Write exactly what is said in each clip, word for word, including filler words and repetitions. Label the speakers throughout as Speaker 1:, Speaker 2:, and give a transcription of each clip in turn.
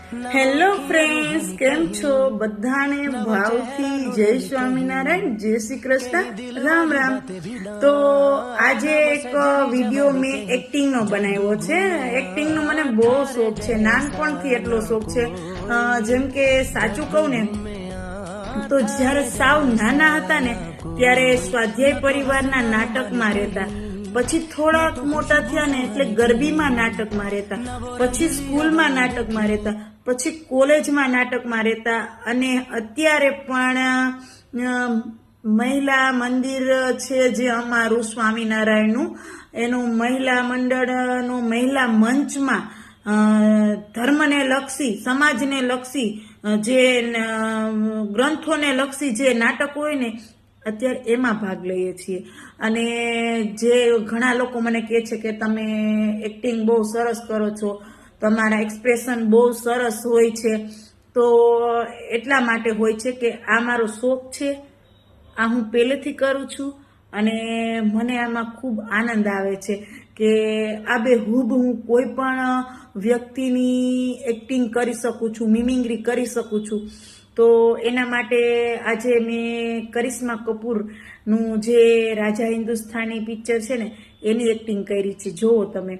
Speaker 1: Hello friends, કેમ છો? બધાને ભાવથી જય સ્વામિનારાયણ, જય શ્રી કૃષ્ણ, રામ રામ. તો આજે એક વિડીયો મેં એક્ટિંગ નો બનાવ્યો છે. એક્ટિંગ નો મને બહુ શોખ છે, નાનપણથી એટલો શોખ છે. જેમ કે સાચું કહું ને તો જ્યારે સાવ નાના હતા ને ત્યારે સ્વાધ્યાય પરિવારના નાટકમાં રહેતા, પછી થોડાક મોટા થયા ને એટલે ગરબીમાં નાટકમાં રહેતા, પછી સ્કૂલમાં નાટકમાં રહેતા, પછી કોલેજમાં નાટકમાં રહેતા, અને અત્યારે પણ મહિલા મંદિર છે જે અમારું સ્વામિનારાયણનું, એનું મહિલા મંડળનું મહિલા મંચમાં ધર્મને લક્ષી, સમાજને લક્ષી, જે ગ્રંથોને લક્ષી જે નાટક હોય ને અત્યારે એમાં ભાગ લઈએ છીએ. અને જે ઘણા લોકો મને કહે છે કે તમે એક્ટિંગ બહુ સરસ કરો છો, તમારા એક્સપ્રેશન બહુ સરસ હોય છે, તો એટલા માટે હોય છે કે આ મારો શોખ છે, આ હું પહેલેથી કરું છું અને મને આમાં ખૂબ આનંદ આવે છે કે આ બે હુબ હું કોઈ પણ વ્યક્તિની એક્ટિંગ કરી શકું છું, મિમિંગ્રી કરી શકું છું. તો એના માટે આજે મેં કરિશ્મા કપૂરનું જે રાજા હિન્દુસ્તાની પિક્ચર છે ને એની એક્ટિંગ કરી છે. જોવો તમે.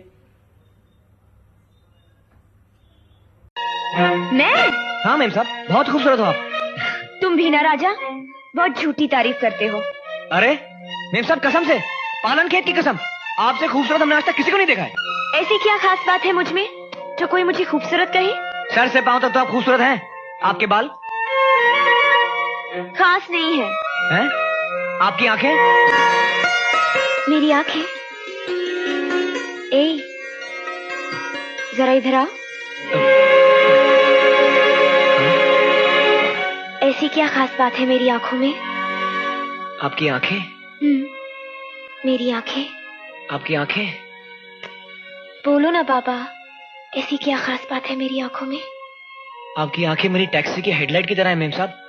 Speaker 2: मैं?
Speaker 3: हाँ मैम साहब, बहुत खूबसूरत हो आप.
Speaker 2: तुम भी ना राजा, बहुत झूठी तारीफ करते हो.
Speaker 3: अरे मैम साहब, कसम से, पालन खेत की कसम, आपसे खूबसूरत हमने आज तक किसी को नहीं देखा है.
Speaker 2: ऐसी क्या खास बात है मुझ में जो कोई मुझे खूबसूरत कहे?
Speaker 3: सर से पांव तक तो आप खूबसूरत हैं. आपके बाल
Speaker 2: खास नहीं है.
Speaker 3: हैं? आपकी आंखें?
Speaker 2: मेरी आंखें? ए, जरा इधर आओ. ऐसी क्या खास बात है मेरी आंखों में?
Speaker 3: आपकी आंखें?
Speaker 2: हम्म, मेरी आंखें.
Speaker 3: आपकी आंखें?
Speaker 2: बोलो ना बाबा, ऐसी क्या खास बात है मेरी आंखों में?
Speaker 3: आपकी आंखें मेरी टैक्सी की हेडलाइट की तरह है मैम साहब.